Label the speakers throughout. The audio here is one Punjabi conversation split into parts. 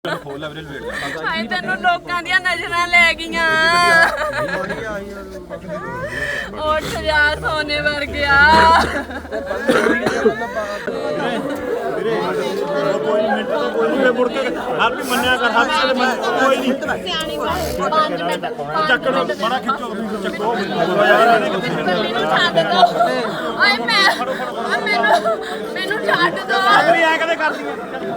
Speaker 1: ਹਾਏ ਤੈਨੂੰ ਲੋਕਾਂ ਦੀਆਂ ਨਜ਼ਰਾਂ ਲੈ ਗਈਆਂ ਉੱਠ ਜਾ ਸੋਨੇ ਵਰਗਿਆ
Speaker 2: ਕੋਈ ਮਿੰਟ ਤੋਂ ਕੋਈ ਮੁੜ ਕੇ ਹਰ ਵੀ ਮੰਨਿਆ ਕਰ ਹਰ ਕਿਸੇ ਦੇ ਕੋਈ ਨਹੀਂ
Speaker 1: ਸਿਆਣੀ 5 ਮਿੰਟ
Speaker 2: ਚੱਕ ਲੋ ਬੜਾ ਖਿੱਚੋ ਚੱਕੋ ਯਾਰ
Speaker 1: ਮੈਨੂੰ ਛੱਡ ਦੋ ਓਏ ਮੈਨੂੰ ਛੱਡ ਦੋ
Speaker 2: ਅਗਲੀ ਐ ਕਦੇ ਕਰਦੀਆਂ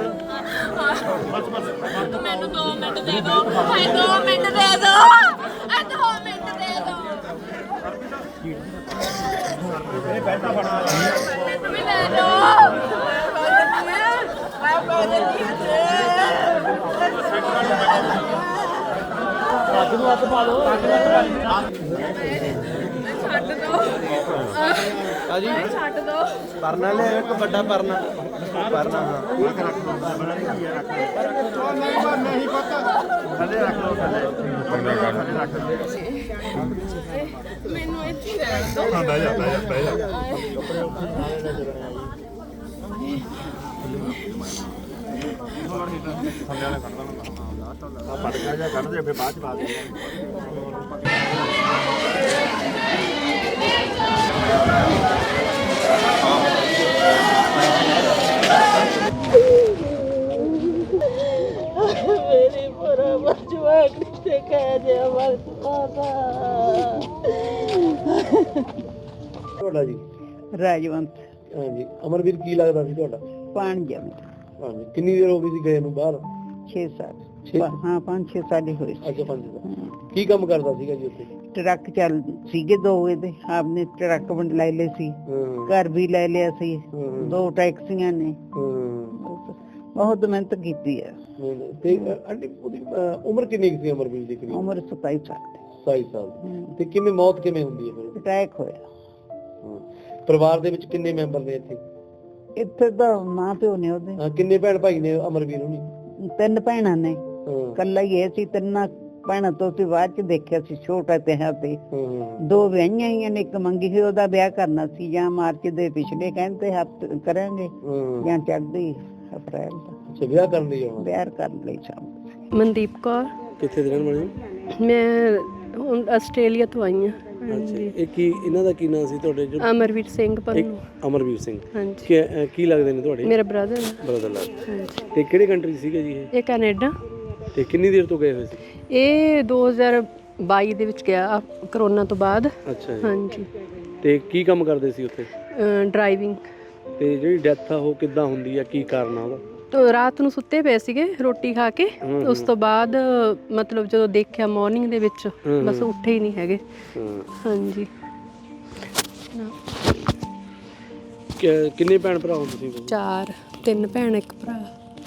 Speaker 1: ਮੈਨੂੰ 2 ਮਿੰਟ ਦੇ ਦੋ ਹਾਏ 2 ਮਿੰਟ ਦੇ ਦੋ 2 ਮਿੰਟ ਦੇ ਦੋ
Speaker 2: ਇਹ ਬੈਠਾ ਫੜਾ
Speaker 1: ਮੈਨੂੰ ਵੀ ਲੈ ਦੋ
Speaker 2: ਅੱਜ ਨੂੰ ਹੱਥ ਪਾ ਲਓ
Speaker 1: ਛੱਡ ਦੋ
Speaker 3: ਹਾਂਜੀ
Speaker 1: ਛੱਡ ਦੋ
Speaker 3: ਪਰਨਾ ਲੈ ਇੱਕ ਵੱਡਾ ਪਰਨਾ ਪਰਨਾ ਹਾਂ
Speaker 2: ਨਹੀਂ ਪਤਾ ਥੱਲੇ ਰੱਖ ਲਓ ਥੱਲੇ ਰੱਖ ਲਓ
Speaker 1: ਮੈਨੂੰ ਇੱਥੇ ਰਹਿਣ ਦੋ
Speaker 2: ਬਹਿ ਜਾ ਬਹਿ ਜਾ ਥੱਲੇ ਵਾਲਾ ਕੱਢ ਦੇਣਾ ਆ ਪੜ ਗਿਆ ਜਾਂ ਕੱਢ ਦੇ ਫਿਰ ਬਾਅਦ ਚ ਪਾ ਦੇ
Speaker 4: मेरी बराबर जवान से कह दे वक्त पापा
Speaker 3: ਤੁਹਾਡਾ ਜੀ
Speaker 4: राजवंत
Speaker 3: ਹਾਂਜੀ ਅਮਰਵੀਰ ਕੀ ਲੱਗਦਾ ਸੀ ਤੁਹਾਡਾ
Speaker 4: पान जम
Speaker 3: ਹਾਂਜੀ ਕਿੰਨੀ ਦੇਰ ਹੋ ਗਈ ਸੀ ਗਏ ਨੂੰ ਬਾਹਰ
Speaker 4: 6 साल
Speaker 3: छे?
Speaker 4: हाँ 5-6 साल ही हुए
Speaker 3: ਅੱਛਾ 5 ਸਾਲ ਕੀ ਕੰਮ ਕਰਦਾ ਸੀਗਾ ਜੀ ਉੱਥੇ
Speaker 4: ट्रक चल सीगे 2 ਇਹਦੇ आपने ट्रक बन ले ले सी
Speaker 3: ਹਾਂ
Speaker 4: घर भी ले लिया सी
Speaker 3: ਹਾਂ
Speaker 4: 2 टैक्सियां ने
Speaker 3: ਹਾਂ
Speaker 4: बहुत मेहनत की है
Speaker 3: ਤੇ ਆਂਟੀ ਉਹਦੀ ਉਮਰ ਕਿੰਨੀ ਕੁ ਸੀ ਅਮਰਵੀਰ ਦੀ ਕਰੀਬ
Speaker 4: उम्र 27 साल
Speaker 3: 27 ਸਾਲ ਤੇ ਕਿਵੇਂ ਮੌਤ ਕਿਵੇਂ ਹੁੰਦੀ ਹੈ ਫਿਰ
Speaker 4: अटैक होया
Speaker 3: ਹਾਂ। ਪਰਿਵਾਰ ਦੇ ਵਿੱਚ ਕਿੰਨੇ ਮੈਂਬਰ ਨੇ ਇੱਥੇ
Speaker 4: ਇੱਥੇ ਤਾਂ ਮਾਂ ਪਿਓ ਨੇ ਉਹਦੇ
Speaker 3: ਹਾਂ, ਕਿੰਨੇ ਭੈਣ ਭਾਈ ਨੇ ਅਮਰਵੀਰ ਹੁਣੀ
Speaker 4: 3 ਭੈਣਾਂ ਨੇ
Speaker 3: ਹਾਂ
Speaker 4: ਕੱਲਾ ਹੀ ਇਹ ਸੀ 3 ਭੈਣਾਂ ਤੋਂ ਤੇ ਬਾਅਦ ਚ ਦੇਖਿਆ ਸੀ ਛੋਟਾ ਤੇ ਹੈ ਤੇ
Speaker 3: ਹਾਂ
Speaker 4: 2 ਵਿਆਹੀਆਂ ਹੀ ਨੇ ਇੱਕ ਮੰਗੀ ਸੀ ਉਹਦਾ ਵਿਆਹ ਕਰਨਾ ਸੀ ਜਾਂ ਮਾਰਚ ਦੇ ਪਿਛਲੇ ਕਹਿੰਦੇ ਹਫਤੇ ਕਰਾਂਗੇ
Speaker 3: ਹਾਂ
Speaker 4: ਜਾਂ ਚੜ੍ਹਦੀ ਅਪ੍ਰੈਲ ਦਾ
Speaker 3: ਅੱਛਾ ਵਿਆਹ ਕਰਨ ਲਈ ਆਉਣਾ
Speaker 4: ਵਿਆਹ ਕਰਨ ਲਈ ਸ਼ਾਮ
Speaker 5: ਮਨਦੀਪ ਕੌਰ
Speaker 3: ਕਿੱਥੇ ਦੇ ਰਹਿਣ ਵਾਲੇ
Speaker 5: ਮੈਂ ਹੁਣ ਆਸਟ੍ਰੇਲੀਆ ਤੋਂ ਆਈ ਹਾਂ
Speaker 3: ਅੱਛਾ ਇਹ ਕੀ ਇਹਨਾਂ ਦਾ ਕੀ ਨਾਮ ਸੀ ਤੁਹਾਡੇ ਜੋ
Speaker 5: ਅਮਰਵੀਰ ਸਿੰਘ ਪੰਨੂ
Speaker 3: ਅਮਰਵੀਰ ਸਿੰਘ
Speaker 5: ਹਾਂਜੀ
Speaker 3: ਕੀ ਲੱਗਦੇ ਨੇ ਤੁਹਾਡੇ
Speaker 5: ਮੇਰਾ ਬ੍ਰਦਰ
Speaker 3: ਬ੍ਰਦਰ ਲੱਗਦੇ
Speaker 5: ਹਾਂਜੀ
Speaker 3: ਤੇ ਕਿਹੜੀ ਕੰਟਰੀ ਸੀਗੇ ਜੀ
Speaker 5: ਇਹ ਕੈਨੇਡਾ
Speaker 3: ਇਹ ਤੇ ਕਿੰਨੀ ਦੇਰ ਤੋਂ ਗਏ ਹੋਏ ਸੀ
Speaker 5: ਇਹ 2022 ਦੇ ਵਿੱਚ ਗਿਆ ਕਰੋਨਾ ਤੋਂ ਬਾਅਦ
Speaker 3: ਅੱਛਾ ਜੀ
Speaker 5: ਹਾਂਜੀ
Speaker 3: ਤੇ ਕੀ ਕੰਮ ਕਰਦੇ ਸੀ ਉੱਥੇ
Speaker 5: ਡਰਾਈਵਿੰਗ
Speaker 3: ਤੇ ਜਿਹੜੀ ਡੈਥ ਆ ਉਹ ਕਿੱਦਾਂ ਹੁੰਦੀ ਆ ਕੀ ਕਾਰਨ ਆ ਉਹਦਾ
Speaker 5: ਤੋਂ ਰਾਤ ਨੂੰ ਸੁੱਤੇ ਪਏ ਸੀਗੇ ਰੋਟੀ ਖਾ ਕੇ ਉਸ ਤੋਂ ਬਾਅਦ ਮਤਲਬ ਜਦੋਂ ਦੇਖਿਆ ਮਾਰਨਿੰਗ ਦੇ ਵਿੱਚ ਬਸ ਉੱਠੇ ਹੀ ਨਹੀਂ ਹੈਗੇ ਹਾਂਜੀ
Speaker 3: ਕਿੰਨੇ ਭੈਣ ਭਰਾ ਹੋ ਤੁਸੀਂ
Speaker 5: 4 3 ਭੈਣ 1 ਭਰਾ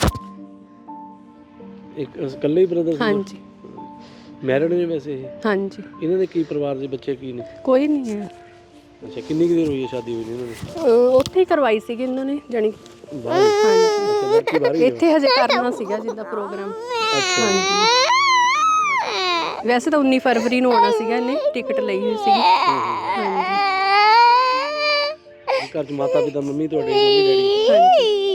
Speaker 3: ਇੱਕ ਇਕੱਲੇ ਹੀ ਬ੍ਰਦਰ ਸੀ
Speaker 5: ਹਾਂਜੀ
Speaker 3: ਮੈਰਿਡ ਨੇ ਵੈਸੇ ਇਹ
Speaker 5: ਹਾਂਜੀ
Speaker 3: ਇਹਨਾਂ ਦੇ ਕੀ ਪਰਿਵਾਰ ਦੇ ਬੱਚੇ ਕੀ ਨੇ
Speaker 5: ਕੋਈ ਨਹੀਂ ਹੈ
Speaker 3: ਅੱਛਾ ਕਿੰਨੀ ਕੁ ਦੇਰ ਹੋਈ ਹੈ ਸ਼ਾਦੀ ਹੋਈ ਇਹਨਾਂ ਦੀ
Speaker 5: ਉੱਥੇ ਹੀ ਕਰਵਾਈ ਸੀਗੀ ਇਹਨਾਂ ਨੇ ਜਾਣੀ
Speaker 3: ਬਾਹਰ ਅੱਛਾ ਲੜਕੀ ਬਾਹਰ ਹੀ ਹੈ।
Speaker 5: ਇੱਥੇ ਹਜੇ ਕਰਨਾ ਸੀਗਾ ਜਿੱਦਾਂ ਪ੍ਰੋਗਰਾਮ ਹਾਂਜੀ ਵੈਸੇ ਤਾਂ 19 ਫਰਵਰੀ ਨੂੰ ਆਉਣਾ ਸੀਗਾ ਇਹਨੇ ਟਿਕਟ ਲਈ ਹੋਈ ਸੀਗੀ ਹਾਂਜੀ
Speaker 3: ਘਰ ਚ ਮਾਤਾ ਪਿਤਾ ਮੰਮੀ ਤੁਹਾਡੇ ਮੰਮੀ ਡੈਡੀ
Speaker 5: ਹਾਂਜੀ